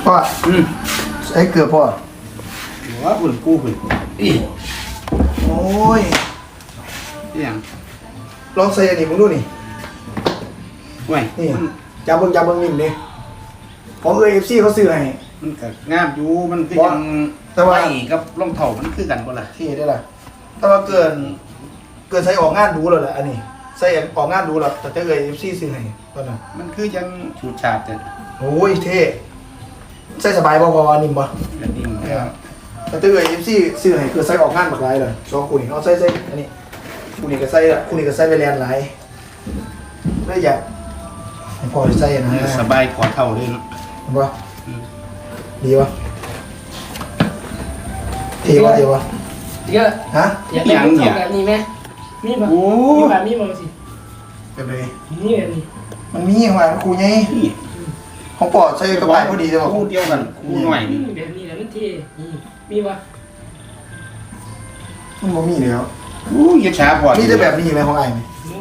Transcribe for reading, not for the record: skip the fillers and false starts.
พ่อไอ้เกือบพ่อหัวหุ่นกูหุ่นอีโอ้ยอย่างลองใส่อันนี้มึงดูนี่ห่วยนี่จับเบิ้งนิ่มดิของAFCเขาซื้อให้มันก็งามอยู่มันคือยังแต่ว่าไอ้กับรองเท้ามันคือกันบ่ล่ะที่ได้ล่ะแต่ว่าเกินใส่ออกงานดูแล้วแหละอันนี้ใส่ออกงานดูแล้วแต่จะAFCซื้อให้ตอนนั้นมันคือยังฉูดฉาดแต่โอ้ยเท่ใส่สบายบ่พอนิ่มบ่กระดิ่งแล้วแต่ถ้าAFCซื้อให้คือใส่ออกงานบักหลายเลยสองคู่นี่เอาใส่อันนี้คู่นี้ก็ใส่คู่นี้ก็ใส่ไปแลนหลายเลยอยากให้พอใส่นะสบายกว่าเท่าเลยเนาะเห็นปะดีปะเท่ปะเดี๋ยวฮะอยากได้ลูกเท่าแบบนี้ไหมมีป่ะมีป่ะมีป่ะสิเป็นเลยนี่แบบนี้มันมีของมันครูไงของปอดใส่กระต่ายพอดีใช่ปะคู่เดียวกันคู่หน่อยแบบนี้แหละมันเท่มีป่ะมันบ่มีแล้วอู้ยช้าพอมีแต่แบบนี้ไหมของไอ้ไหมโอ้